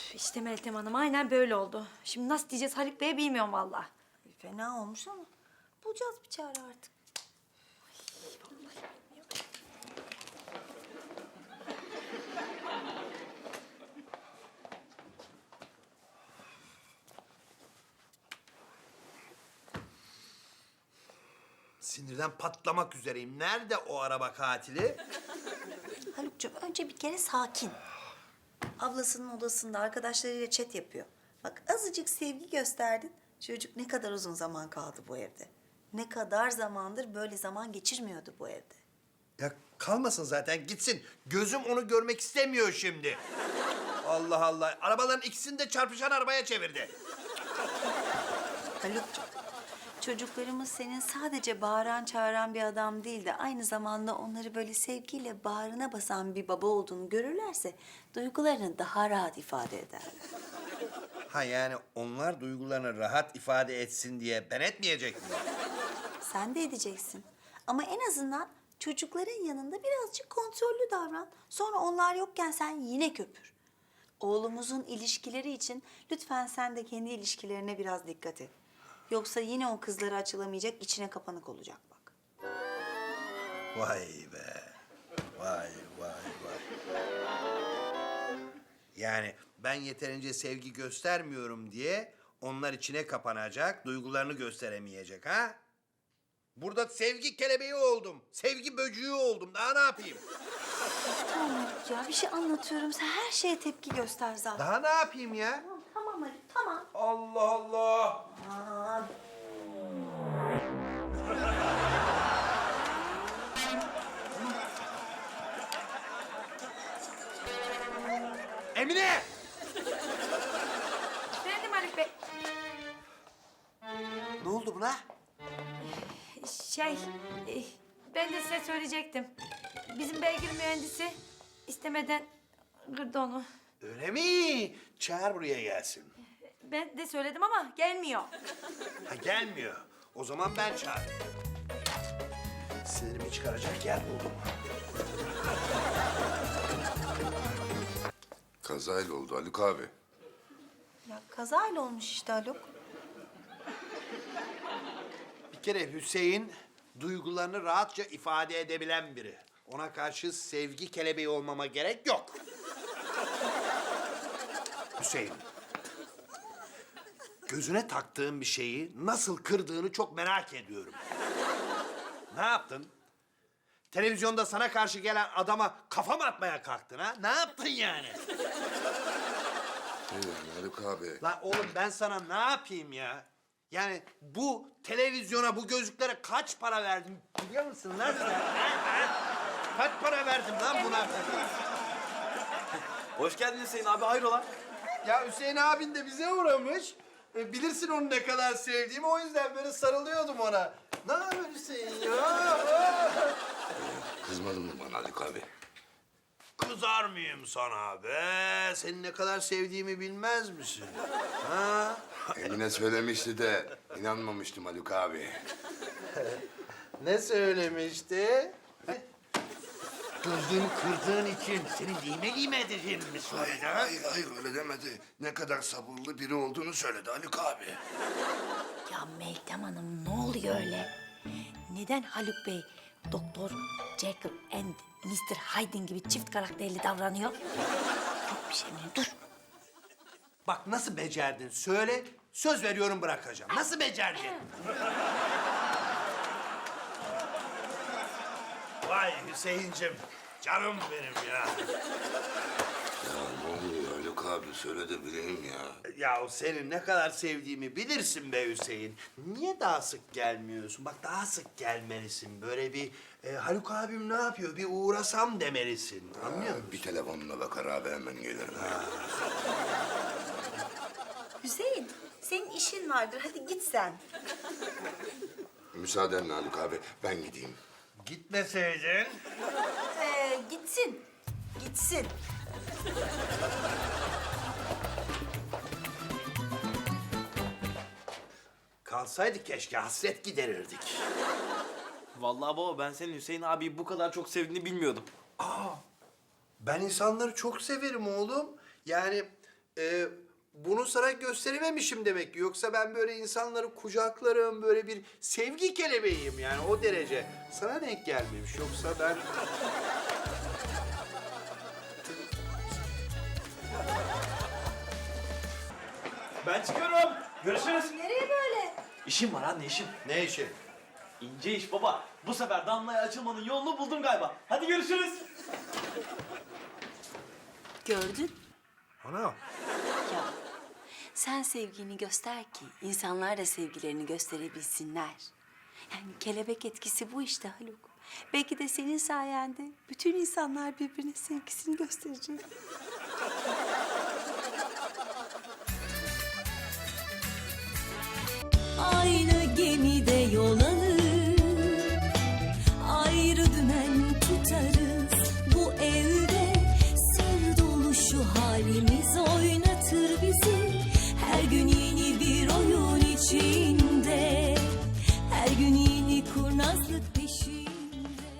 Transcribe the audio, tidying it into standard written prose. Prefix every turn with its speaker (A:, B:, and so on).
A: İşte Meltem Hanım aynen böyle oldu. Şimdi nasıl diyeceğiz Haluk Bey'e bilmiyorum vallahi.
B: Fena olmuş ama bulacağız bir çare artık.
C: Sinirden patlamak üzereyim. Nerede o araba katili?
B: Haluk'cum önce bir kere sakin. Ablasının odasında arkadaşlarıyla chat yapıyor. Bak azıcık sevgi gösterdin. Çocuk ne kadar uzun zaman kaldı bu evde. Ne kadar zamandır böyle zaman geçirmiyordu bu evde.
C: Ya kalmasın zaten gitsin. Gözüm onu görmek istemiyor şimdi. Allah Allah. Arabaların ikisini de çarpışan arabaya çevirdi.
B: Haluk'cum, çocuklarımız senin sadece bağıran çağıran bir adam değil de aynı zamanda onları böyle sevgiyle bağrına basan bir baba olduğunu görürlerse duygularını daha rahat ifade ederler.
C: Ha yani onlar duygularını rahat ifade etsin diye ben etmeyecek miyim?
B: Sen de edeceksin. Ama en azından çocukların yanında birazcık kontrollü davran. Sonra onlar yokken sen yine köpür. Oğlumuzun ilişkileri için lütfen sen de kendi ilişkilerine biraz dikkat et. Yoksa yine o kızlara açılamayacak, içine kapanık olacak bak.
C: Vay be. Vay vay vay. Yani ben yeterince sevgi göstermiyorum diye onlar içine kapanacak, duygularını gösteremeyecek ha? Burada sevgi kelebeği oldum. Sevgi böcüğü oldum. Daha ne yapayım?
B: Tamam Haluk ya, bir şey anlatıyorum. Sen her şeye tepki göster zaten.
C: Daha ne yapayım ya?
B: Tamam Haluk, tamam.
C: Allah Allah.
B: Aman.
C: Emine!
A: Efendim Haluk Bey.
C: Ne oldu buna?
A: Şey, ben de size söyleyecektim. Bizim beygir mühendisi istemeden kırdı onu.
C: Öyle mi? Çağır buraya gelsin.
A: Ben de söyledim ama gelmiyor.
C: Ha gelmiyor. O zaman ben çağırayım. Sinirimi çıkaracak yer buldum.
D: Kazayla oldu Haluk abi.
B: Ya kazayla olmuş işte Haluk.
C: Bir kere Hüseyin duygularını rahatça ifade edebilen biri. Ona karşı sevgi kelebeği olmama gerek yok. Hüseyin. Gözüne taktığın bir şeyi nasıl kırdığını çok merak ediyorum. Ne yaptın? Televizyonda sana karşı gelen adama kafa mı atmaya kalktın ha? Ne yaptın yani?
D: Ne yani Haluk abi?
C: Lan oğlum ben sana ne yapayım ya? Yani bu televizyona, bu gözlüklere kaç para verdim biliyor musun lan sen? Ha? Kaç para verdim lan buna?
E: Hoş geldin Hüseyin abi, hayrola?
C: Ya Hüseyin abin de bize uğramış. Bilirsin onu ne kadar sevdiğimi, o yüzden böyle sarılıyordum ona. Ne haber Hüseyin ya?
D: Kızmadın mı bana Haluk abi?
C: Kızar mıyım sana be? Seni ne kadar sevdiğimi bilmez misin? Ha?
D: Emine söylemişti de inanmamıştım Haluk abi.
C: Ne söylemişti? Gözlüğümü kırdığın için seni lime edeceğimi mi söyledi ha?
D: Hayır öyle demedi. Ne kadar sabırlı biri olduğunu söyledi Haluk abi.
A: Ya Meltem Hanım ne oluyor öyle? Neden Haluk Bey Doktor Jekyll and Mr. Hyde gibi çift karakterli davranıyor? Yok bir şey mi? Dur.
C: Bak nasıl becerdin söyle, söz veriyorum bırakacağım. Nasıl becerdin? Vay Hüseyincim, canım benim ya.
D: Ya ne oluyor Haluk abi? Söyle de bileyim ya.
C: Ya o senin ne kadar sevdiğimi bilirsin be Hüseyin. Niye daha sık gelmiyorsun? Bak daha sık gelmelisin. Böyle bir Haluk abim ne yapıyor? Bir uğrasam demelisin. Anlıyor musun?
D: Bir telefonuna bakar abi hemen gelir.
B: Hüseyin, senin işin vardır. Hadi git sen.
D: Müsaadenle Haluk abi ben gideyim.
C: Gitmeseydin.
B: Gitsin. Gitsin.
C: Kalsaydı keşke hasret giderirdik.
E: Vallahi baba, ben senin Hüseyin abiyi bu kadar çok sevdiğini bilmiyordum.
C: Ben insanları çok severim oğlum. Yani Bunu sana gösterememişim demek ki. Yoksa ben böyle insanları kucaklarım, böyle bir sevgi kelebeğiyim yani o derece. Sana denk gelmemiş. Yoksa ben...
E: Ben çıkıyorum. Görüşürüz.
B: Nereye böyle?
E: İşim var anne işim.
C: Ne işi?
E: İnce iş baba. Bu sefer Damla'ya açılmanın yolunu buldum galiba. Hadi görüşürüz.
B: Gördün.
C: Ana.
B: Ya sen sevgini göster ki insanlar da sevgilerini gösterebilsinler. Yani kelebek etkisi bu işte Haluk. Belki de senin sayende bütün insanlar birbirine sevgisini gösterecek.
F: Aynı gemide yol alır, ayrı dümen tutarız. Bu evde sır dolu şu halimiz oynatır bizi. Her gün yeni bir oyun içinde, her gün yeni kurnazlık peşinde.